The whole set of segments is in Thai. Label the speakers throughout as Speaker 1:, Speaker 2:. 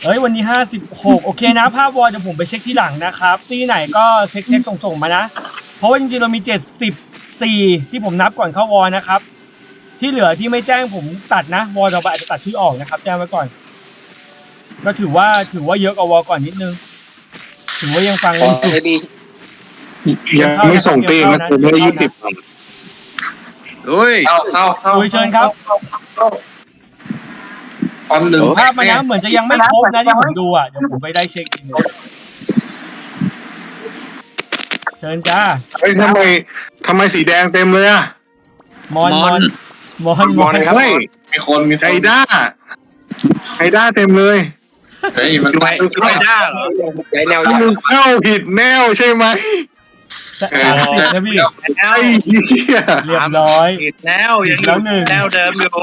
Speaker 1: เฮ้ยวันนี้56โอเคนะภาพวอลจะผมไปเช็คที่หลังนะครับที่ไหนก็เช็คส่งมานะเพราะว่าจริงๆเรามี74ที่ผมนับก่อนเข้าวอลนะครับที่เหลือที่ไม่แจ้งผมตัดนะวอลเราอาจจะตัดชื่อออกนะครับแจ้งไว้ก่อนก็ถือว่าเยอะกว่าวอลก่อนนิดนึงถือว่ายังฟังอยู่
Speaker 2: ยังไม่ส่งตีนะคือไม่ได้20
Speaker 3: เฮ้ย
Speaker 1: เข้าเชิญครับ
Speaker 4: อันหนึ่ง
Speaker 1: ภาพมานะเหมือนจะยังไม่ครบนะที่ผมดูอ่ะเดี๋ยวผมไปได้เช็คอีกนึงเชิญจ้า
Speaker 2: เฮ้ยทำไมสีแดงเต็มเลยอะ
Speaker 1: มอน
Speaker 2: ครับ
Speaker 4: มีคน
Speaker 2: ไฮด้าเต็มเลย
Speaker 4: เฮ้ยมัน
Speaker 3: ไฮด้าเหรอไฮแนว
Speaker 2: มึงเข้าผิดแนวใช่ไหม
Speaker 1: 30นะพี่
Speaker 2: ไอ้เหี้ย
Speaker 1: เรียบร้อย
Speaker 3: ผิดแนวยังอยู่แนวเดิมอยู่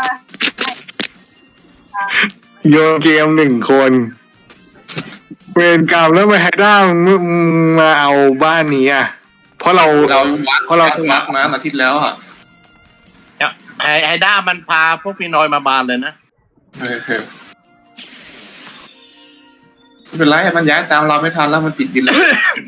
Speaker 2: โยนเกม1 คนเวรกรรมแล้วมาไฮด้ามึงมาเอาบ้านนี้อ่ะเพราะเรา
Speaker 4: สมัครมาอาทิตย์แล้วอ่ะ
Speaker 3: ไฮด้ามันพาพวกพี่น้อยมาบานเลยนะ
Speaker 4: ไม่เป็นไรมันย้ายตามเราไม่ทันแล้วมันติดดินแล้ว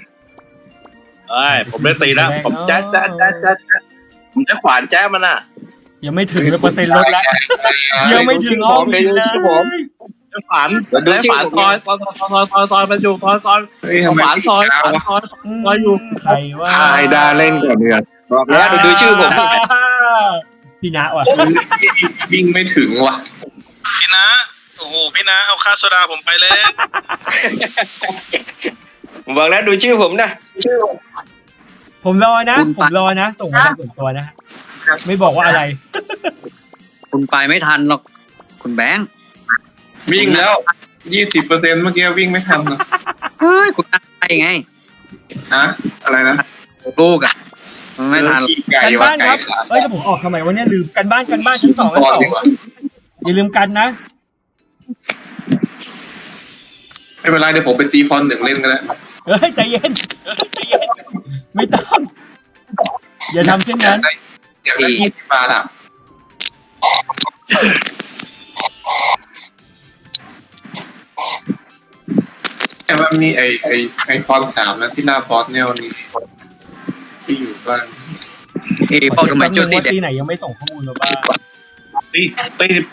Speaker 3: ผมได้ตีแล้วผมแจ๊ผมจะขวานแจ๊มันอ่ะ
Speaker 1: ยังไม่ถึงเปอร์เซ็นต์ลดแล้วยังไม่ถึงอ้อมเลย
Speaker 3: ฝานซอยมันอยู่ซอยฝานซอยอยู่
Speaker 1: ใครว่า
Speaker 2: ไฮด้าเล่นก่อนเดือน
Speaker 3: บอกแล้วดูชื่อผม
Speaker 1: พี่นะว่ะ
Speaker 4: วิ่งไม่ถึงว่ะ
Speaker 5: พี่นะโอ้โหพี่นะเอาค่าโซดาผมไปเลย
Speaker 3: ผมบอกแล้วดูชื่อผมนะ
Speaker 1: ผมรอนะส่งมาส่วนตัวนะไม่บอกว่าอะไร
Speaker 3: คุณไปไม่ทันหรอกคุณแบงค์
Speaker 4: วิ่งแล้ว 20%เมื่อกี้วิ่งไม่ทันนะ
Speaker 3: เฮ้ยคุณไปไง
Speaker 4: อะไรนะ
Speaker 3: ลูกอ่ะไม่ทัน
Speaker 1: กันบ้านครับจะผมออกทำไมวะเนี่ยลืมกันบ้านชั้น2อย่าลืมกันนะ
Speaker 4: ไม่เป็นไรเดี๋ยวผมไปตีพร1เล่นกันแล้ว
Speaker 1: ใจเย็นไม่ต้องอย่าทำเช่นนั้น
Speaker 4: อย่างละ20 บาทอ่ะแต่ว่ามีไอพร3นะที่หน้าบอสเนี่ยวันนี้ที่อยู่บ้าน
Speaker 3: พอทำไมจุด
Speaker 1: ตีไหนยังไม่ส่งข้อมูลมาบ้าง
Speaker 3: ตี12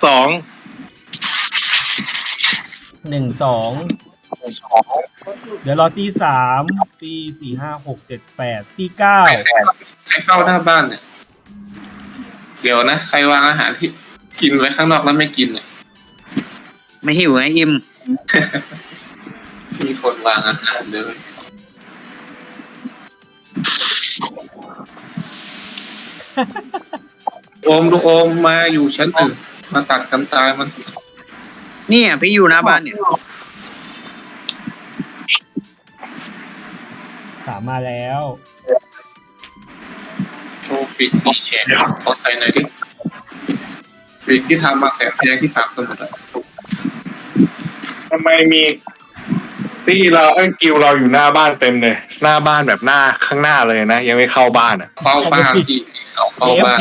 Speaker 1: เดี๋ยวรอตี3ตี4 5 6 7 8ตี9
Speaker 4: ใครเข้าหน้าบ้านเนี่ยเดี๋ยวนะใครวางอาหารที่กินไว้ข้างนอกแล้วไม่กินเนี่ย
Speaker 3: ไม่หิวไงอิ่ม
Speaker 4: มีคนวางอาหารเลยโอมมาอยู่ชั้น1มาตัดกันตายมัน
Speaker 3: นี่พี่อยู่หน้าบ้านเนี่ย
Speaker 1: มาแล้ว
Speaker 4: โชว์ปิดมีแชร์ขอใส่หน่อยดิปิดที่ทำมาแสนแพงที่ฝากสมุดอะ
Speaker 2: ทำไมมีตีเรากิวเราอยู่หน้าบ้านเต็มเลยหน้าบ้านแบบหน้าข้างหน้าเลยนะยังไม่เข้าบ้านอ่ะ
Speaker 4: เข้าบ้านที่เขาเข้าบ้าน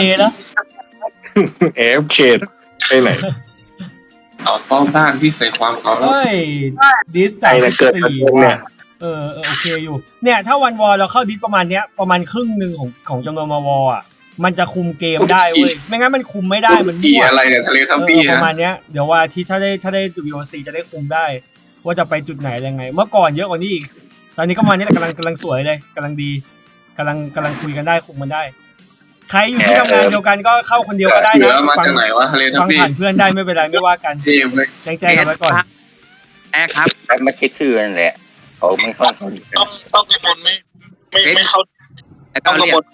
Speaker 2: AFK ไปไหน
Speaker 4: เอาเข้าบ้านที่ใส่ความเขาแล้ว
Speaker 1: ดิสแต่4เนี่ยโอเคอยู่เนี่ยถ้าวันวอลเราเข้าดิสประมาณครึ่งนึงของจำนวนมาวอลอ่ะมันจะคุมเกมได้เว้ยไม่งั้นมันคุมไม่ได้มัน
Speaker 4: มั่วอะไรเนี่ยทะเลทับปี้
Speaker 1: ประมาณเนี้ยเดี๋ยวว่าที่ถ้าได้ WOC จะได้คุมได้ว่าจะไปจุดไหนอะไรไงเมื่อก่อนเยอะกว่านี้อีกตอนนี้ก็มาเนี้ยกำลังสวยเลยกำลังดีกำลังคุยกันได้คุมมันได้ใครอยู่ที่ทำงานเดียวกันก็เข้าคนเดียวก็ได้นะ
Speaker 4: ฟัง
Speaker 1: ผ่านเพื่อนได้ไม่เป็นไรไม่ว่ากันแจ้งกันไว้ก่อน
Speaker 3: ครับ
Speaker 6: ไม่ใช่ชื่อนั่นแหละเขาไม่เข้า
Speaker 5: ต้องกระบนไม่เข้าต้องกระบน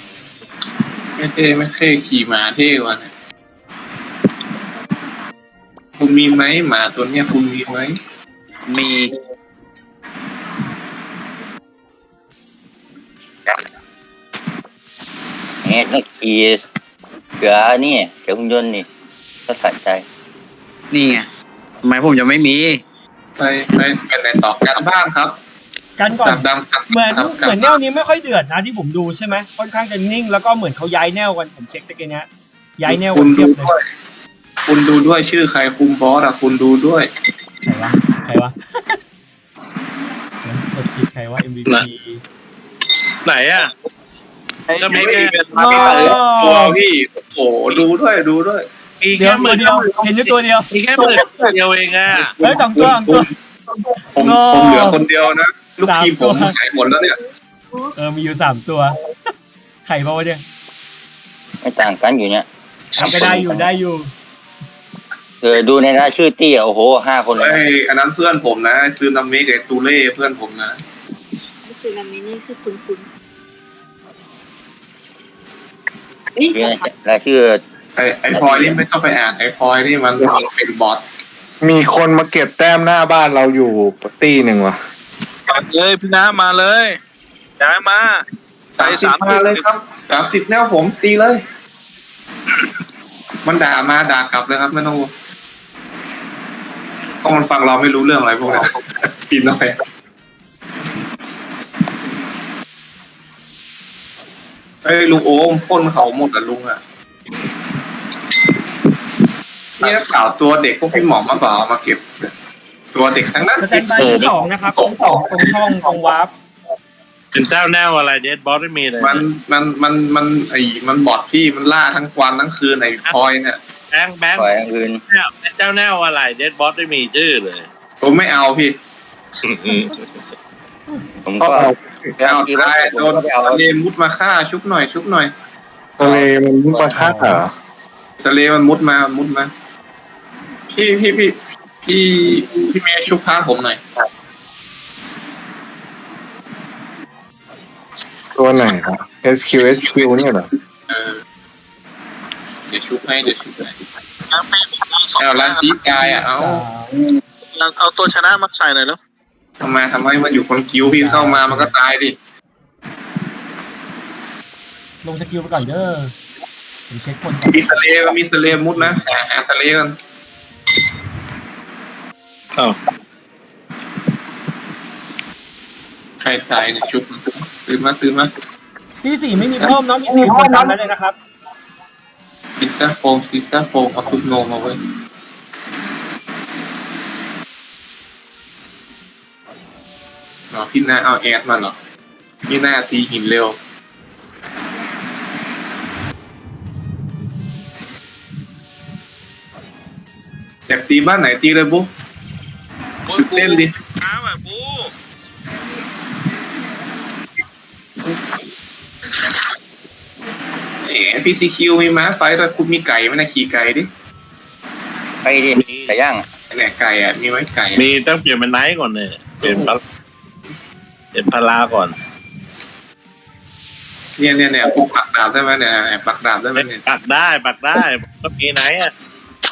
Speaker 4: ไม่เคยขี่ม้าเท่กว่าเนี่ยคุณมีไหมหมาตัวเนี้ยคุณมีไหม
Speaker 3: มี
Speaker 6: นักขี่เสือนี่เสือหุ่นยนต์นี่ก็สะใจ
Speaker 3: นี่ไงทำไมผมจะไม่มี
Speaker 4: ไปไหนต่อกันบ้างครับ
Speaker 1: กันก่อนเหมือนแนวนี้ไม่ค่อยเดือดนะที่ผมดูใช่ไหมค่อนข้างจะนิ่งแล้วก็เหมือนเขาย้ายแนวกันผมเช็คตะกี้เนี้ยย้ายแนวกันเทียบเลย
Speaker 4: คุณดูด้วยชื่อใครคุมบอสอ่ะคุณดูด้วย
Speaker 1: ใครวะกดจิตใครวะ MVP
Speaker 3: ไหนอ่ะจะมีแค่
Speaker 4: ตัวพี่โอ้โหดูด้วย
Speaker 3: มี
Speaker 1: เดี๋
Speaker 3: แค่
Speaker 1: ยว
Speaker 3: หมื่น
Speaker 1: เดียวเห็นอยู่ตัวเดียว
Speaker 3: มีแค่หมื่นเดียวเองอ่ะ
Speaker 1: เฮ้ยสองตัว
Speaker 4: ผมเหลือคนเดียวนะลูกทีมผมหายหมดแล้วเนี่ย
Speaker 1: มีอยู่3ตัวไข่เปล่าวะเนี่ย
Speaker 6: ไม่ต่างกันอยู่เนี่ย
Speaker 1: ก็ได้อยู่
Speaker 6: ดูในรายชื่อตี้โอ้โห5 คนเลย
Speaker 4: ไอ้อันนั้นเพื่อนผมนะซื้อนามิกับตูเล่เพื่อนผมนะ
Speaker 7: นี่คือนามินี่ชื่อคุณ
Speaker 6: อยู่ในรายชื่อ
Speaker 4: ไอ้พลอยนี่ไม่ต้องไปอ่านไอ้พลอยนี่มันเป็นบอท
Speaker 2: มีคนมาเก็บแต้มหน้าบ้านเราอยู่ตี้หนึ่งว่ะ
Speaker 5: เลยพี่น้ามาเลยย้ายมาไป
Speaker 4: 30มาเลยครับ30แนวผมตีเลย มันด่ากลับเลยครับไม่ต้องเพราะมันฟังเราไม่รู้เรื่องอะไรพวกนี้ปีนหน่อยเอ้ยลุงโอมพ่นเขาหมดอ่ะลุงอ่ะนี่ข่าวตัวเด็กพวกพี่หมอมาเปล่ามาเก็บ ตัวเด็กทั้งนั้น
Speaker 1: สแตนบายที่2นะครับตรงตรงช่องตรงวาร์ป
Speaker 3: เป็นเจ้าแนวอะไรเดดบอสไม่มีเลย
Speaker 4: มันบอดพี่มันล่าทั้งวันทั้งคืนไอ้พลอยเนี่ย
Speaker 3: แบงค์
Speaker 6: ปล่อยอย่างอื่น
Speaker 3: เป็นเจ้าแนวอะไรเดดบอสไม่มีชื่อเลย
Speaker 4: ผมไม่เอาพี่
Speaker 6: ผมก็
Speaker 4: เอาได้โดนสเลมุดมาฆ่าชุบหน่อย
Speaker 2: ทะเลมันมุปะท่าเหรอ
Speaker 4: สเลมันมุดมาพี่เมย์ชุบผ้าผมหน่อย
Speaker 2: ตัวไหนครับ SQ เนี่ยเหรอ
Speaker 4: เดี๋ยวชุบให้
Speaker 5: ย้ายไป2
Speaker 4: เอาลาซีกายเอา
Speaker 5: เอาตัวชนะมาใส่หน่อยแล้ว
Speaker 4: ทำไมมันอยู่คนกิ้วพี่เข้ามามันก็ตายดิ
Speaker 1: ลงสกิลไปก่อนเด้อผมเช็คคน
Speaker 4: มีสเลมุดนะหาสเลกันใครตายเนี่ยชุบตื่นมา
Speaker 1: ที่4ไม่มีเพิ่มเนาะมี4คนตามนั้นเลยนะครับ
Speaker 4: ซีซ่าโฟมเอาซุปโนมาไว้พี่นาเอาแอดมาเหรอพี่นาตีหินเร็วอยากตีบ้านไหนตีเลยบุ๊เต้นดิ
Speaker 5: ช้าแบบบู
Speaker 4: พี่ซีคิวมีม้าไฟแต่คุณมีไก่ไหมนะขี่ไก่ดิ
Speaker 6: ไปดิไก่ย่าง
Speaker 4: เนี่ยไก่มีไว้ไก่
Speaker 3: มีต้องเปลี่ยนเป็นไนท์ก่อนเนี่ยเปลี่ยนพลาก่อน
Speaker 4: เนี่ยพวกปักดาบได้ไหมเนี่ยปักดาบได้ไหมเนี่ย
Speaker 3: ปักได้ก็มีไนท์อ่ะ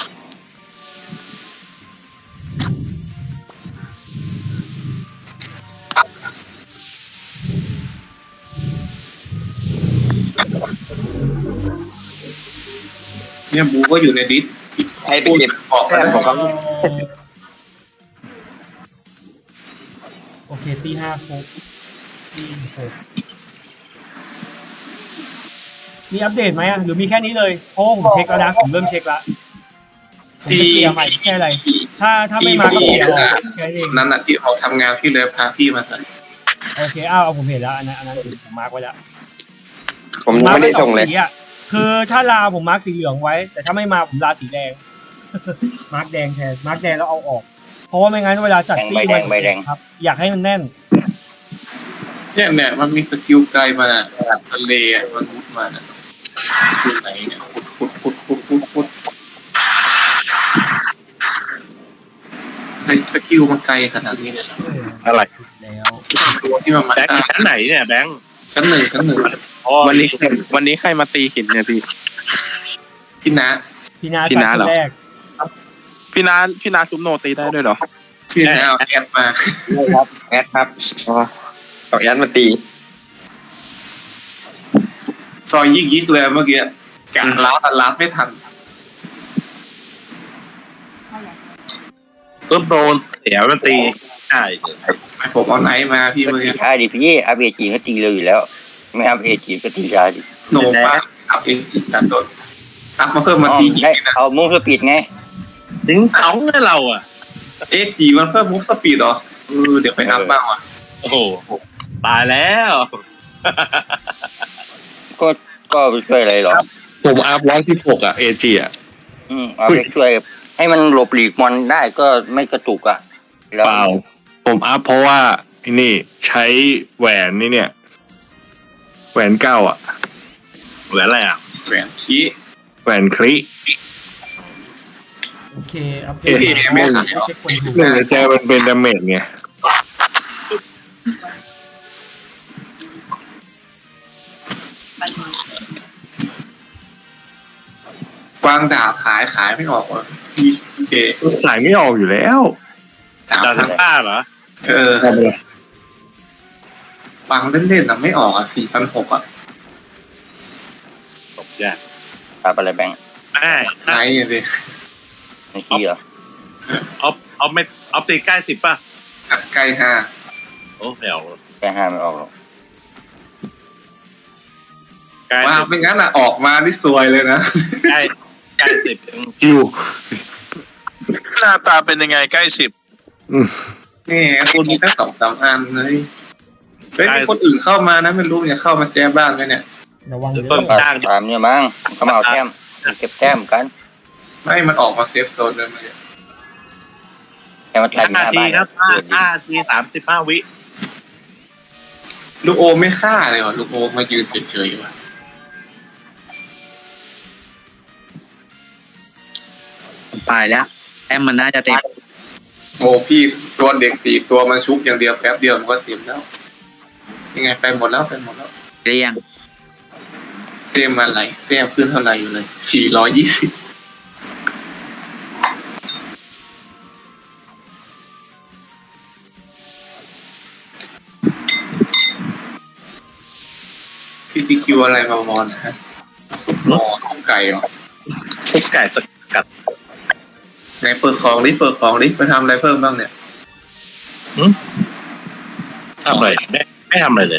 Speaker 4: เนี่ยบูก็อยู่ในดิส
Speaker 6: ใครไปเก็บ
Speaker 4: ออกกัน
Speaker 6: ของเขา
Speaker 1: โอเคตี5ฟุกตี6มีอัปเดตไหมหรือมีแค่นี้เลยเพราะผมเช็คแล้วนะผมเริ่มเช็คแล้วผมจะเกียร์ใหม่แค่อะไรถ้าไม่มาก็เกียร์แค่เอง
Speaker 4: นั้นอ่ะที่ออกทำงานพี่เลยพาพี่มาใส่
Speaker 1: โอเคเอาผมเห็นแล้วอันนั้นผมมาร์กไว้แล้ว
Speaker 6: ผมยังไม่ได้ส่งเลย
Speaker 1: สีอ่ะคือถ้าลาผมมาร์กสีเหลืองไว้ แต่ถ้าไม่มาผมลาสีแดง มาร์กแดงแทนมาร์กแดงแล้วเอาออก เพราะว่าไม่งั้นเวลาจัดตี้
Speaker 6: ใบแดง
Speaker 1: ครับ อยากให้มันแน่น
Speaker 4: เนี่ยมันมีสกิลไกลมาทะเลมันมุดมาคือไหนเนี่ยขุดในสกิลมันไกลขนาดนี้เลยเหรอ
Speaker 3: อะไร
Speaker 1: แล้ว
Speaker 4: ตัวที่มันมา
Speaker 3: แบงค์ชั้นไหนเนี่ยแบงค์
Speaker 4: ชั้นหนึ่ง
Speaker 8: วันนี้ใครมาตีหินเนี่ยพี่
Speaker 4: พี่นะ
Speaker 1: พี่นา
Speaker 8: พี่นาเหรอ
Speaker 1: แรก
Speaker 8: พี่นาซุปโนตีได้ด้วยเหรอ
Speaker 4: พี่นะเอาแอดมา
Speaker 6: แอดครับ
Speaker 8: อ๋อ
Speaker 6: เอาแอดมาตี
Speaker 4: ซอยยิกเลยเมื่อกี้กะลาดไม่ทัน
Speaker 3: ก็โดนเสียมันตีใช่
Speaker 4: ผมเอาไนท์มาพี่
Speaker 6: ก็
Speaker 4: เมื่อ
Speaker 6: ตี
Speaker 4: กี้
Speaker 6: ช้าดิพี่อัพเอจีก็ตีเลยอยู่แล้ว ไม่อัพเอจีก็ตีช้าดิ
Speaker 4: โนบ้าอัพเองจิตตัดต้นอัพมาเพิ่มมาตีหิน
Speaker 6: ได้
Speaker 4: นะ
Speaker 6: เอามุ้งเพื่อปิดไง
Speaker 3: ถึงเขาเนี่ยเราอ่ะ
Speaker 4: จีมันเพิ่มมูฟสปีดเหรอเดี๋ยวไปอัพบ้างว่ะ
Speaker 3: โอ้โหตายแล้ว
Speaker 6: ก็ไปช่วยอะไรหรอ
Speaker 2: ผมอัพ116อ่ะ AG อ่ะ
Speaker 6: เอาไปช่วยให้มันหลบหลีกมอนได้ก็ไม่กระตุกอ่ะแล้ว
Speaker 2: เปล่าผมอัพเพราะว่าไอ้นี่ใช้แหวนนี่เนี่ยแหวนเก้าอ่ะ
Speaker 3: เหลืออะไรอ่ะ
Speaker 4: แหวนคี
Speaker 2: แหวนคลิ
Speaker 1: โอเคอัปเด
Speaker 2: เอ๊ะ
Speaker 1: ต
Speaker 2: ไม่ขาย
Speaker 1: เช็คคนดู
Speaker 2: เนี่ยใจมันเป็นดาเมจไง
Speaker 4: กวางดาบขายไม่ออกว่ะพี่เจ
Speaker 2: ขายไม่ออกอยู่แล้ว
Speaker 3: ดาวทั้งป้าเหรอ
Speaker 4: กวางเล่นๆอ่ะไม่ออกอ่ะ4,600อ่ะ
Speaker 3: ตกยาก
Speaker 6: ปรับอะไรแบงค์
Speaker 3: แม่
Speaker 4: ใช่เลย
Speaker 6: ไม่ขี้เหรอ
Speaker 3: เอาไม่เอาตีใกล้10ป่ะ
Speaker 4: อัดใกล้5
Speaker 3: โอ้ไม่เอา
Speaker 6: แค่ห้าไม่ออกหรอก
Speaker 3: ใกล้
Speaker 4: ว่าไม่งั้นอ่ะออกมาที่ซวยเลยนะ
Speaker 3: ใกล้10
Speaker 2: คิว
Speaker 5: หน้าตาเป็นยังไงใกล้10
Speaker 4: นี่คุณมีตั้ง2-3 อันเลยเฮ้ยมีคนอื่นเข้ามานะไม่รู้มันจะเข้ามาแจ้บ้านไหมเนี่ย
Speaker 1: ระวังเดี๋ยว
Speaker 3: ต้น จ้าง
Speaker 6: ตามเนี่ยมั้งเขามาเอาแต้มเก็บแต้มกัน
Speaker 4: ไม่มันออกมาเซฟโซนเลยมัน
Speaker 6: แค่มาตายอยู่ห
Speaker 3: 5
Speaker 6: น้า
Speaker 3: ที
Speaker 6: บ้าน
Speaker 3: ครับ5 ที35 วิ
Speaker 4: ลูกโอไม่ฆ่าเลยว่ะลูกโอมายืนเฉยๆว่ะ
Speaker 9: ไปแล้วแต้มมันน่าจะเต็ม
Speaker 4: โอ้พี่ตัวเด็ก4 ตัวมันชุบอย่างเดียวแป๊บเดียวมันก็เต็มแล้วยังไงไปหมดแล้ว
Speaker 9: เรียง
Speaker 4: เต็มอะไรเต็มขึ้นเท่าไหร่อยู่เลย420พี่ซีคิวอะไรมาวอนนะฮะสุกหม้อสุกไก่เหรอ
Speaker 3: ทุกไก่สกัด
Speaker 4: ไหนเปิดของดิไปทำอะไรเพิ่มบ้างเนี่ย
Speaker 3: ทำอะไรไม่ทำอะไรเลย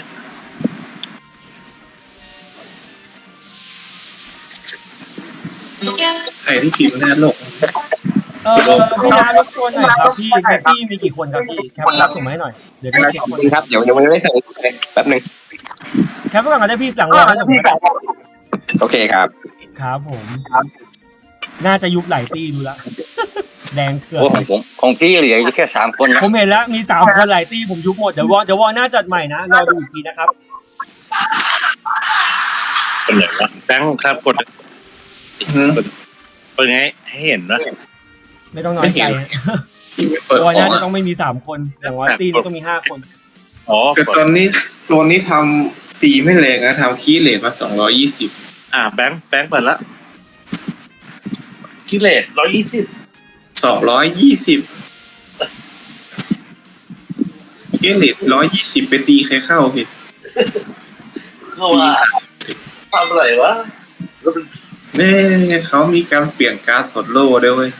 Speaker 4: ใครที่พิมพ์หน้าโลก
Speaker 1: พี่นารบกวนหน่อยครับพี่แม็กกี้มีกี่คนครับพี่แคปรับส่งมาให้หน่อยเดี๋ยวจะเช็คคน
Speaker 6: ครับเดี๋ยวยังไม่ได้ส่งเลยแป๊บนึง
Speaker 1: แคปไว้ก่อนก็ได้พี่หลังเราให้ส่งมาได้
Speaker 6: โอเคครับ
Speaker 1: ครับผมน่าจะยุบหลายตีดูละ แดงเถื่อน
Speaker 6: โอ้ของพี่เหลืออยู่แค่3 คนนะ
Speaker 1: ผมเห็นแล้วมี3 คนหลายตีผมยุบหมดเดี๋ยววอหน้าจัดใหม่นะรอดูอีกทีนะครับ
Speaker 3: เป็นไหนวะแบงค์ครับกดเป็นไงให้เห็นนะ
Speaker 1: ไม่ต้องน้อยใจนะ
Speaker 4: ที่ไม่เปิด
Speaker 1: ว
Speaker 4: ข
Speaker 1: อ
Speaker 4: อง
Speaker 1: น่าจะ
Speaker 4: อะ
Speaker 1: ต้องไม่มี3 คนอย่างว่าตีนี้ต้องมี5 คน
Speaker 3: อ๋อ
Speaker 4: แต่ตอนนี้ทำตีไม่แรงนะทำคีย์เลทมา220
Speaker 3: แบงค์เปิดละกิเลส120
Speaker 4: คีย์เลท120ไปตีใครเข้าพี่
Speaker 3: เข้ามาทำอะไรวะ
Speaker 4: เน่เขามีการเปลี่ยนการ์ดสดโล่ด้วยเว้ย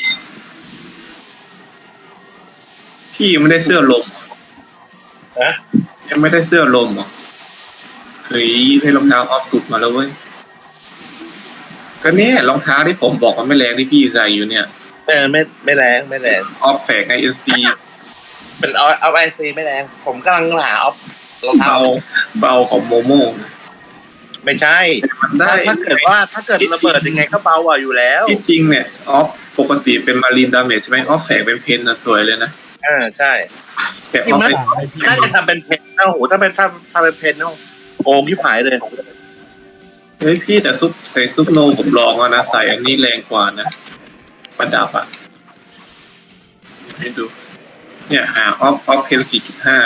Speaker 4: พี่ยังไม่ได้เสื้อลม
Speaker 3: ฮะ
Speaker 4: ยังไม่ได้เสื้อลมเหรอเฮ้ยให้รองเท้าออฟสุดมาแล้วเว้ยก็เนี่ยรองเท้าที่ผมบอกว่าไม่แรงที่พี่ใส่อยู่เนี่ย
Speaker 3: ไม่แรง
Speaker 4: ออฟแฝกไอเอ็นซี
Speaker 3: เป็นเอาไอซีไม่แรงผมกำลังหาเอารองเท้า
Speaker 4: เบาของโมโม่
Speaker 3: ไม่ใช่
Speaker 4: มันได้
Speaker 3: ถ้าเกิดระเบิดยังไงก็เบากว่าอยู่แล้ว
Speaker 4: ที่จริงเนี่ยออฟปกติเป็นมารีนดาเมจใช่ไหมออฟแฝกเป็นเพนนะสวยเลยนะ
Speaker 3: ใช่
Speaker 4: แต่ออฟเป็น
Speaker 3: น่าจะทำเป็นเพนนะโอ้โหถ้าเป็นเพนนะโกงที่หายเลย
Speaker 4: เฮ้ยพี่แต่ซุปโนผมลองแล้วนะใส่อันนี้แรงกว่านะประดับอ่ะให้ดู เนี่ยหาออฟเพน4.5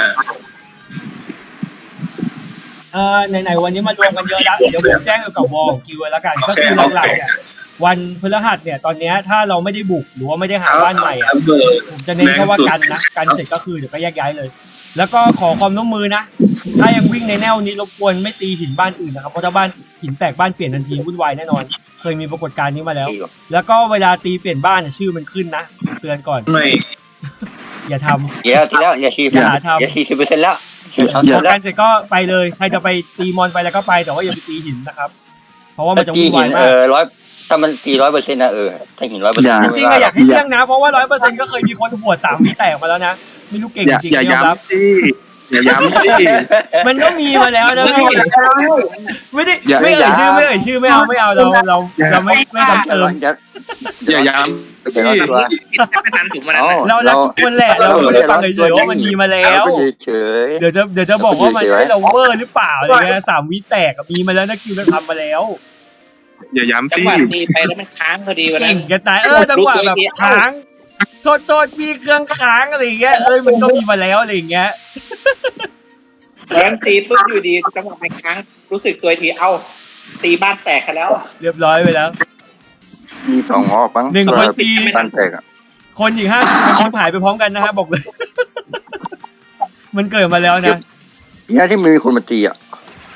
Speaker 1: ไหนๆวันนี้มารวมกันเยอะแล้วเดี๋ยวผมแจ้งเกี่ยวกับวอลของกิวแล้วกันก็คือหลักๆเนี่ยวันพฤหัสเนี่ยตอนนี้ถ้าเราไม่ได้บุกหรือว่าไม่ได้หาบ้านใหม่อะผมจะเน้นแค่ว่ากันนะกันเสร็จก็คือเดี๋ยวก็แยกย้ายเลย แล้วก็ขอความร่วมมือนะถ้ายังวิ่งในแนวนี้รบกวนไม่ตีหินบ้านอื่นนะครับเพราะถ้าบ้านหินแตกบ้านเปลี่ยนทันทีวุ่นวายแน่นอนเคยมีปรากฏการณ์นี้มาแล้ว แล้วก็เวลาตีเปลี่ยนบ้านชื่อมันขึ้นนะเตือนก่อน
Speaker 4: ไม่
Speaker 1: อย่าทำ
Speaker 6: เดี๋ยวทีแล้วอย่าชี้
Speaker 1: อย่าทำ
Speaker 6: อย่า40%แล้ว
Speaker 1: พอกันเสร็จก็ไปเลยใครจะไปตีมอนไปแล้วก็ไปแต่ว่าอย่าไปตีหินนะครับ เพราะว่ามันจะ
Speaker 6: ตี
Speaker 1: วุ่น
Speaker 6: หิ
Speaker 1: วาย
Speaker 6: น
Speaker 1: มาก
Speaker 6: ถ้ามันตี100%นะถ้าหิน100%
Speaker 1: จริงๆอะอยากให้เลี่ยงนะเพราะว่า100%ก็เคยมีคนหัวด3 วิแตกมาแล้วนะไม่รู้เก่งจริง
Speaker 8: อย่า
Speaker 1: ๆยอมรับ
Speaker 8: ย้ำสิอย่าย้ำสิ
Speaker 1: มันก็มีมาแล้วนะพี่ไม่ได้
Speaker 8: อย่า
Speaker 1: ไม่เอ่ยชื่อไม่เอาเราไม่ซ้ำเติม
Speaker 8: อย่าย้ำ
Speaker 6: เดี๋ยวตัว
Speaker 9: ไม่ทันถูกมันนะ
Speaker 1: เรารักทุกคนแหละเราไม่ได้ฟังเฉยๆว่ามันมีมาแล้ว
Speaker 6: เฉย
Speaker 1: เดี๋ยวจะบอกว่ามันให้เราเวอร์หรือเปล่าอะไรเงี้ย3 วิแตกมีมาแล้วนะคิวเราทำมาแล้ว
Speaker 8: อย่าย้ำ
Speaker 3: จัง
Speaker 8: สิ
Speaker 3: หวะตีไปแล้วมันค้างพอดีวันนั้
Speaker 1: เก่
Speaker 3: น
Speaker 1: งจะตายจังหวะแบบค้างโทษมีเครื่องค้างอะไรเงี้ยมันก็มีมาแล้วอะไรเงี้ย
Speaker 3: วันนั้นตีปุ๊บอยู่ดีจังหวะมันค้างรู้สึกตัวทีเอ้าตีบ้านแตกกันแล้ว
Speaker 1: เรียบร้อยไปแล้ว
Speaker 6: มี2 รอบบ้าง
Speaker 1: 1 คนตี
Speaker 6: บ้านแตก
Speaker 1: คนอีก50 คนหายไปพร้อมกันนะฮะบอกเลย มันเกิดมาแล้วนะ
Speaker 6: เนี่ยที่มีคนมาตีอ่ะ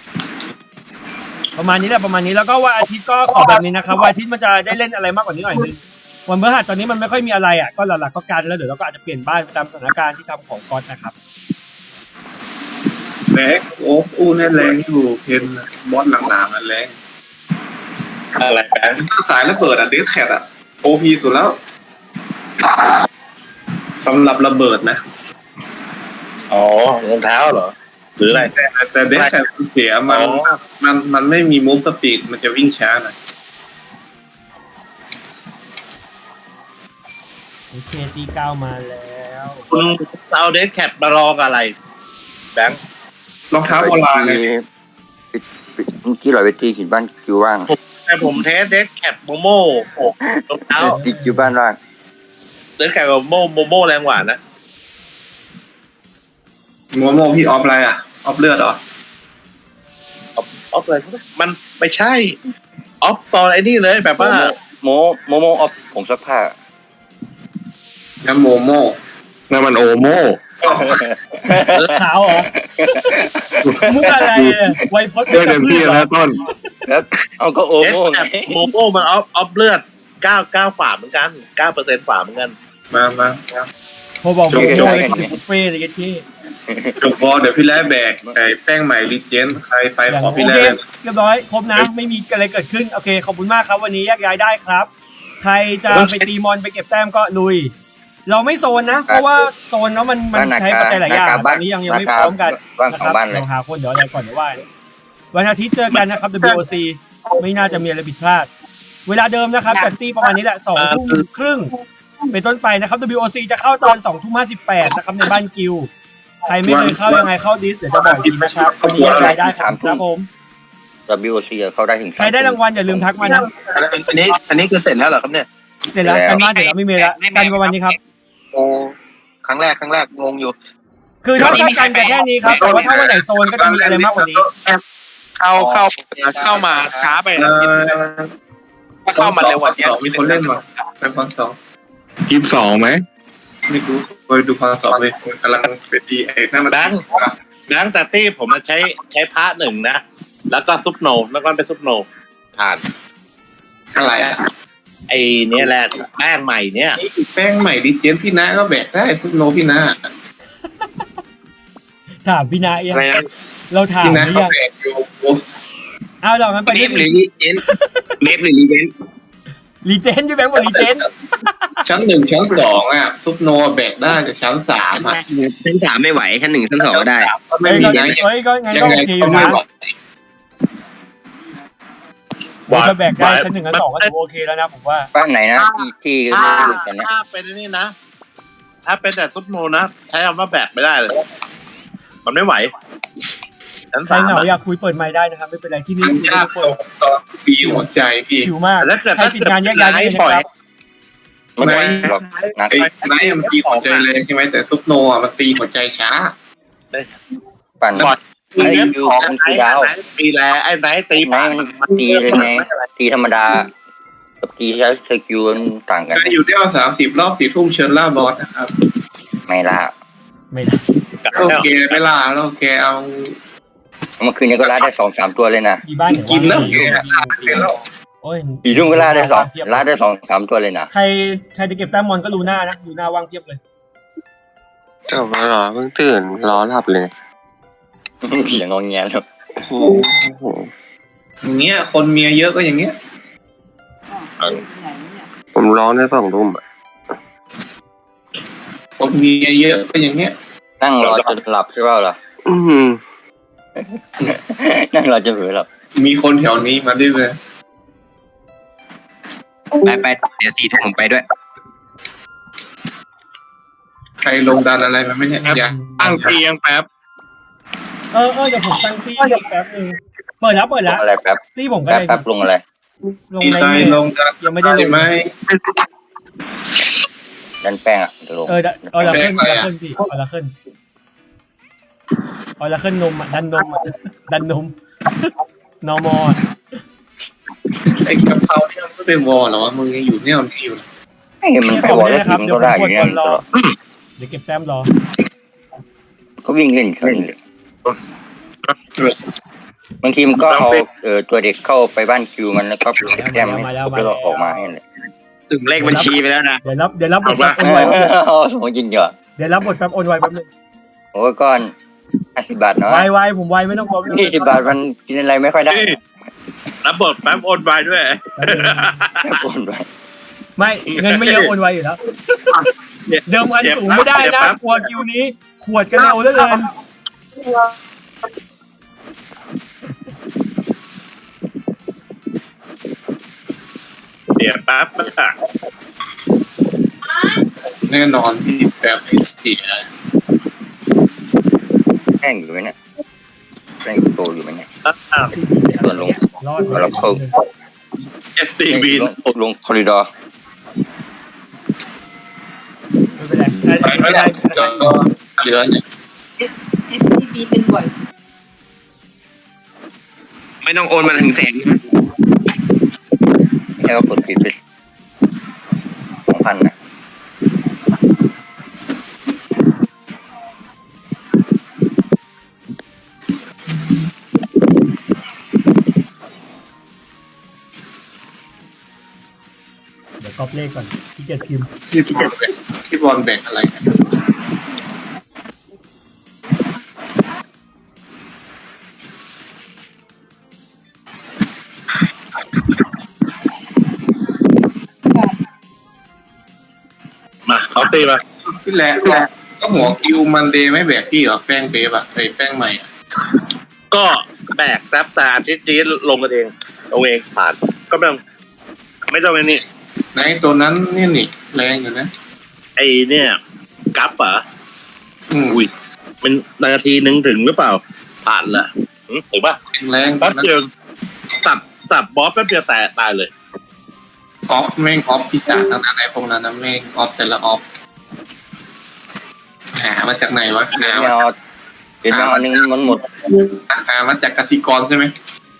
Speaker 1: ประมาณนี้แหละแล้วก็วันอาทิตย์ก็ขอแบบนี้นะครับวันอาทิตย์มันจะได้เล่นอะไรมากกว่านี้หน่อยนึงวันพฤหัสตอนนี้มันไม่ค่อยมีอะไรอ่ะก็หลักๆก็การแล้วเดี๋ยวเราก็อาจจะเปลี่ยนบ้านไปตามสถานการณ์ที่ทำของก๊อตนะครับ
Speaker 4: แรงโอ้อู้เนี่ยแรงอยู่เพนบอสหลังๆมันแรง
Speaker 3: อะไรแบง
Speaker 4: ถ้าสายระเบิดอะเดสแคทอะโอพีสุดแล้วสำหรับระเบิดนะ
Speaker 3: อ๋อรองเท้าเหรอหรืออะไร
Speaker 4: แต่เดสแคทเสียมันไม่มีมูฟสปีดมันจะวิ่งช้าหน่อย
Speaker 1: โอเคตี9มาแล้ว
Speaker 3: คุณเอาเดสแคปมาลองอะไรแบงค์
Speaker 4: รองเท้าโบราณเลย
Speaker 6: เมื่อกี้เราไปตีหินบ้านคิวว่าง
Speaker 3: แต่ผมเทสเดสแคปโมโม่รองเท้า
Speaker 6: ตีคิวบ้านว่าง
Speaker 3: เดสแคปกับโมโม่แรงกว่านะ
Speaker 4: โมโมพี่ออฟอะไรอะออฟเลือดเหรอ
Speaker 3: ออฟอะไรมันไม่ใช่ออฟตอนไอ้นี่เลยแบบว่า
Speaker 6: โมออฟผงซักผ้า
Speaker 4: งั้นโมโม
Speaker 2: นั่นมันโอโม่
Speaker 1: ขาวเหรอมุกอะไรไวพจน์
Speaker 2: ได้เต็มที่แล้วต้น
Speaker 6: แล้วเอาก็โอ
Speaker 3: เดส
Speaker 6: โม่
Speaker 3: แคปโมโม่มันออฟเลือด9ฝ่าเหมือนกัน9%ฝ่าเหมือนกัน
Speaker 4: มา
Speaker 1: พอบอกโมโม่เลยบุฟเฟ่เลยกันที่
Speaker 4: จบบอลเดี๋ยวพี่แร่แบกไอ้แป้งใหม่รีเจนใครไปขอ
Speaker 1: โอ
Speaker 4: พี่
Speaker 1: เค
Speaker 4: แร่
Speaker 1: เรียบร้อยครบนะไม่มีอะไรเกิดขึ้นโอเคขอบคุณมากครับวันนี้แยกย้ายได้ครับ ใครจะไปตีมอนไปเก็บแต้มก็ลุย เราไม่โซนนะเพราะว่าโซนเนาะมันใช้ปัจจัยหลายอย่างตอนนี้ยังไม่พร้อมกัน
Speaker 6: บ้าน
Speaker 1: นะ
Speaker 6: ข
Speaker 1: ค
Speaker 6: อง
Speaker 1: รับ
Speaker 6: บ้านเลย
Speaker 1: เราหาคนเดี๋ยวอะไรก่อนเดี๋ยวว่าวันอาทิตย์เจอกันนะครับ WOC ไม่น่าจะมีอะไรผิดพลาด เวลาเดิมนะครับจัดตี้ประมาณนี้แหละ20:30เป็นต้นไปนะครับ WOC จะเข้าตอน20:58นะครับในบ้านกิลใครไม่เคยเข้ายังไงเข้าดิสเดี๋ยวจะบอกอีกทีนะครับวันนี้รายได้ครับผม
Speaker 6: WOC เข้าได้ถึง
Speaker 1: ใครได้รางวัลอย่าลืมทักมานะ
Speaker 3: อันนี้คือเสร็จแล้วเหรอครับเนี่ย
Speaker 1: เสร็จแล้วกันบ้านเสร็จแล้วไม่มีแล้วกันประมาณนี้ครับ
Speaker 3: โอ้ครั้งแรกงงอยู่
Speaker 1: คือถ้ากันแค่นี้ครับแต่ว่าถ้าวันไหนโซนก็จะมีอะไรมากกว่านี้
Speaker 8: เข้ามาช้าไปนะถ้าเข้ามาเร็วกว่านี้
Speaker 4: มีคนเล่นมาเป็นพรสอง
Speaker 2: 22ไหม
Speaker 4: ไม่รู้ไปดูพรสองเลยกำลังเป็นดีไอ้นั่นมัน
Speaker 3: แบงค์แต่ตี้ผมมันใช้พระหนึ่งนะแล้วก็ซุปโนแล้วก็เป็นซุปโนผ่าน
Speaker 4: อะไรอะ
Speaker 3: ไอ้เนี่ยแหละแป้งใหม่เนี่ย
Speaker 4: แป้งใหม่รีเจนพี่นาก็แบกได้ทุกโนพี่นา
Speaker 1: ถามพี่นาเอง
Speaker 8: อะไรนะ
Speaker 1: เราถาม
Speaker 4: พี่นา
Speaker 1: หรื
Speaker 4: เขา
Speaker 1: อยัง
Speaker 4: แบกอยู่
Speaker 1: เอาเรางั้นไป
Speaker 9: เม
Speaker 1: ที่
Speaker 9: ฟหรือลีเจนเมฟหรือลีเจน
Speaker 1: รีเจนพี่แบงค์บอกรีเจน
Speaker 4: ชั้น 1 ชั้น 2อ่ะซุปโนแบกได้แต่ชั้น 3อ่ะ
Speaker 9: ชั้น 3ไม่ไหวชั้น 1 ชั้น 2ก็ได้
Speaker 4: ก็ไม่มีนะ
Speaker 1: เฮ้ยก็งั้น
Speaker 4: ยั
Speaker 1: ก็
Speaker 4: งไง
Speaker 1: โอเคอ
Speaker 4: ก็
Speaker 1: ยู่
Speaker 4: ไม่
Speaker 1: นะ
Speaker 4: ไหว
Speaker 1: ถ้าแบกได้ชั้น 1 ชั้น 2ก็ถือโอเคแล้วนะผมว่า
Speaker 6: บ้านไหนนะที่ก็ไม่รู้กันเนี่ย
Speaker 3: ถ้าเป็นนี่นะ ถ้าเป็นแต่ซุปโนนะใช้คำว่าแบกไม่ได้เลยมันไม่ไหวชั้น
Speaker 1: ใคร
Speaker 3: 3
Speaker 1: เหงาอยากคุยเปิดไมค์ได้นะครับไม่เป็นไรที่นี่
Speaker 4: มันยากตรงตอนตีหัวใจพี่
Speaker 1: ผิวมาก
Speaker 3: แล้วเกิด
Speaker 1: ใครติดงานแยกย้ายได้เลยนะครับ
Speaker 6: ไม่ไหวหรอกนัก
Speaker 4: ไอ้ไนท์มันตีหัวใจแรงใช่ไหมแต่ซุปโนอ่ะมันตีหัวใจช้า
Speaker 6: ปั่น
Speaker 3: ไอ้
Speaker 6: ดู
Speaker 3: ของ
Speaker 6: มัน
Speaker 3: ไอ้
Speaker 6: ตีดาว
Speaker 3: ตีแลไอ้ไหนตี
Speaker 6: ไม่มันตีเลยไงตีธรรมดากับตีใช้สกิลมันต่างกัน
Speaker 4: ใครอยู่ได้เอา30 รอบ4 ทุ่มเชิญล่าบอสนะครับ
Speaker 6: ไม่ล่ะ
Speaker 1: ไม่ได้
Speaker 4: โอเคไม่ล่าแล้วแกเอา
Speaker 6: เมื่อคืนนี้ก็ล่าได้2-3 ตัวเลยนะ
Speaker 1: มีบ้านไหน
Speaker 4: กินแล้ว
Speaker 1: ว่า
Speaker 4: แกล่าเลยแล้ว
Speaker 1: โอ้ย
Speaker 6: 4 ทุ่มก็ล่าได้2-3 ตัวเลยนะ
Speaker 1: ใครจะเก็บแต้มมอนก็รู้หน้านะดูหน้าว่างเทียบเลย
Speaker 8: จบแล้วเหรอเพิ่งตื่นรอหลับเลย
Speaker 6: เสียงงอแงแล้ว
Speaker 4: อย่างเงี้ยคนเมียเยอะก็อย่างเงี้ย
Speaker 7: ไหนเนี่ย
Speaker 5: ผมร้องได้2 ทุ่ม
Speaker 4: ผมมีเยอะก็อย่างเงี้ย
Speaker 6: นั่งรอจนหลับใช่เปล่าล่ะ
Speaker 5: อืม
Speaker 6: นั่งรอจนเผลอหลับ
Speaker 4: มีคนแถวนี้มาด้วยเลย
Speaker 9: ไปเดี๋ยว4 ทุ่มผมไปด้วย
Speaker 4: ใครลงดันอะไรมาไม่เนี่ยอย่า
Speaker 2: ตั้งเตียงแป๊บ
Speaker 1: เออเดี๋ยวผมตั้งที่แป๊บนึงเปิดแล้ว
Speaker 6: ลงอะไรแป๊บ
Speaker 1: ที่ผมก็
Speaker 6: แป๊บ
Speaker 1: ได้
Speaker 6: ลงอะไร
Speaker 1: ลง
Speaker 4: มี
Speaker 1: ใน
Speaker 4: ใคร
Speaker 1: นี่
Speaker 4: ลงดัน
Speaker 1: ยังไม่ได้ลง
Speaker 4: ไหม
Speaker 6: ดันแป้งอ่ะเดี๋ยวลง
Speaker 1: เอาละขึ้น
Speaker 4: แบกอะไรอะ
Speaker 1: พี่เอาละขึ้นนมอ่ะดันนมอ่ะดันนมนอมอ
Speaker 4: ไอ้กะเพราเนี่ยมันไม่เป็นวอลเหรอวะมึงยังอยู่เนี่ยมันอยู่
Speaker 6: ไอ้มันไปวอลแล้วทีมก็ได้อยู่เนี่ยตลอด
Speaker 1: เดี๋ยวเก็บแต้มรอ
Speaker 6: ก็วิ่งเล่นเขาเลยบางทีมันก็เอาตัวเด็กเข้าไปบ้านคิวมันแล้วก็แต้มให้ครบแล้วก็ออกมาให้เลย
Speaker 9: สุ่มเลขบัญชีไปแล้วนะ
Speaker 1: เดี๋ยวรับบทแป๊บโอนไว
Speaker 6: สมมติจริงเหรอ
Speaker 1: เดี๋ยวรับบทแป๊บโอนไวแป๊บนึง
Speaker 6: โอ้ก้อน50 บาทเนาะ
Speaker 1: ไวผมไวไม่ต้องกลัว
Speaker 6: 20 บาทมันกินอะไรไม่ค่อยได้
Speaker 8: รับบทแป๊บโอนไปด้วย
Speaker 6: โอนไป
Speaker 1: ไม่เงินไม่เยอะโอนไวอยู่แล้วเดิมพันสูงไม่ได้นะกลัวคิวนี้ขวดกันเอาเหลือเกิน
Speaker 8: เดี๋ยวแป๊บอะ
Speaker 4: แน่นอนพี่แบบที่เสีย
Speaker 6: แห้งอยู่ไหมเนี่ยแห้งโตอยู่ไหมเนี่ย
Speaker 8: อ้าว
Speaker 6: ส่วนลง
Speaker 1: รอด
Speaker 6: เราเข้า
Speaker 8: SCB
Speaker 6: ลงคอริดอร์
Speaker 1: ไม่เป็นไร
Speaker 4: ไม่ได้ก็เหลือเนี่ย
Speaker 7: SCB เป็นบ่อย
Speaker 9: ไม่ต้องโอนมาถึงแสน
Speaker 6: แค่ว่ากดผิดไป2,000นะ
Speaker 1: เดี๋ยวก๊อปเลขก่อนที่เกียจพิมพ์
Speaker 4: พี่บอลแบ่งอะไรกัน
Speaker 8: มาเขาตีมา
Speaker 4: พี่แหละก็หัวคิวมันเดย์ไม่แบกพี่เหรอแป้งเบฟอะไอ้แป้งใหม่อะ
Speaker 8: ก็แบกแป๊บแต่อาทิตย์นี้ลงกันเองลงเองผ่านก็ไม่ต้องไอ้นี่
Speaker 4: ในตัวนั้นนี่นี่แรงอยู่นะ
Speaker 8: ไอ้เนี่ยกัปเหรอ อุ้ยเป็นนาทีนึงถึงหรือเปล่า ผ่านละถึงป่ะ
Speaker 4: แรง
Speaker 8: แป๊บเดียวสับบอสแป๊บเดียวแต่ตายเลย
Speaker 4: ออฟแม่งออฟพิศาจทั้งนั้นไอ้พวกนั้นนะแม่งออฟแต่ละออฟหามาจากไหนวะหา
Speaker 6: เดี๋ยวเดี๋ยวอันนึงมันหมด
Speaker 4: มาจากกสิกรใช่ไหม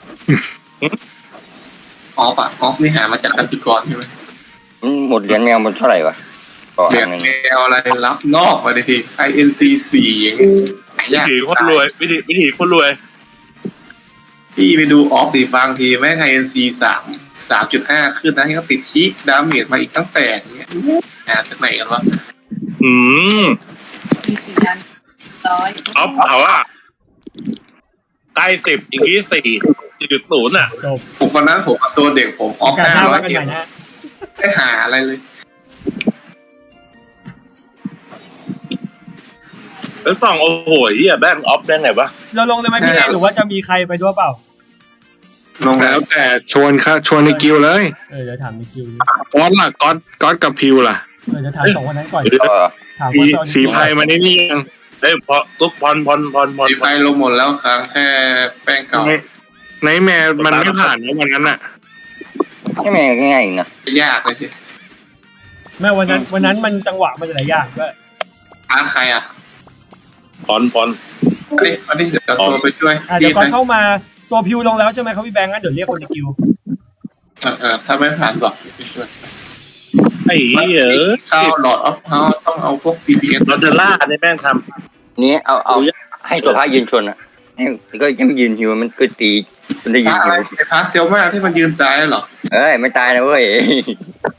Speaker 4: ออฟอะออฟนี่หามาจากกสิกรใช่ไหม
Speaker 6: หมดเหรียญแมวมันเท่าไหร่วะก็
Speaker 4: เรีย
Speaker 6: อั
Speaker 4: ก
Speaker 6: นนึง
Speaker 4: แมวอะไรรับนอกมาดิที INC 4อย่างเงี้ยหายาก
Speaker 8: วิธีคนรวยวิธีคนรวย
Speaker 4: พี่ไปดูออฟดิบางทีแม่ง INC 3.5 ขึ้นนะที่เขาติดชีกดาเมจมาอีกตั้งแต่เงี้ยหาจากไหนกันวะ
Speaker 8: อืม
Speaker 7: มี4,100
Speaker 8: ออฟเขาอะใกล้10อีก4.0อ่ะ
Speaker 1: จบ
Speaker 4: ผมวันนั้นผมเอาตัวเด็กผมออฟ
Speaker 1: การหน้าว่า
Speaker 4: 500
Speaker 1: กัน
Speaker 4: เอ็
Speaker 1: ใหม่
Speaker 4: ม
Speaker 1: นะ
Speaker 4: ไม่หาอะไรเลย
Speaker 8: แล้วส่องโอ้โหเหี้ยแบงออฟได้ไงวะ
Speaker 1: เราลงเลยไหมพี่เอหรือว่าจะมีใครไปด้วยเปล่า
Speaker 4: ลงแล้
Speaker 2: แล้ว วแต่ชวนในกิวเลย
Speaker 1: เดี๋ยวถามในคิวดิ
Speaker 2: ก๊อตล่ะก๊อตกับพิวล่ะ
Speaker 1: เดี๋ยวถาม2คนนั้นก่อน
Speaker 6: ก็
Speaker 1: ถามว่าตอน
Speaker 2: สีไพรมาได้นี่ยัง
Speaker 8: เอ้ยพอทุกพร
Speaker 4: สีไฟลงหมดแล้วครั้งแค่แป้งเก่า
Speaker 2: ไนท์แมร์มันไม่ผ่านนะวันนั้นอ่ะ
Speaker 6: ให้แม่ง่ายๆนะ
Speaker 4: ยากเลยสิ
Speaker 1: แม่วันนั้นมันจังหวะมันหลายอย่างด้วย
Speaker 4: ใครอ่ะ
Speaker 8: พร
Speaker 4: อันนี้เดี๋ยวตัวไปช่วย
Speaker 1: เดี๋ยวก่อนเข้ามาตัวพิวลงแล้วใช่ไหมครับพี่แบงค์งั้นเดี๋ยวเรียกคนในคิว
Speaker 4: ถ้าไม่ผ่านบอกไปช่วย
Speaker 8: ไอ้เหี้ย
Speaker 4: เข้าหลอดออฟเฮาต้องเอาพวก TPS
Speaker 8: ลอตเตอร่าในแม่งท
Speaker 6: นี้เอาให้ตัวพระยืนชนอ่ะก็ยังยืนหิวมันก็ตีมันได้
Speaker 4: พ
Speaker 6: ยื
Speaker 4: ระ
Speaker 6: น
Speaker 4: อะไร
Speaker 6: หิว
Speaker 4: ไอ้พระเซลมากที่มันยืนตายเหรอ
Speaker 6: เอ้ยไม่ตายนะเว้ย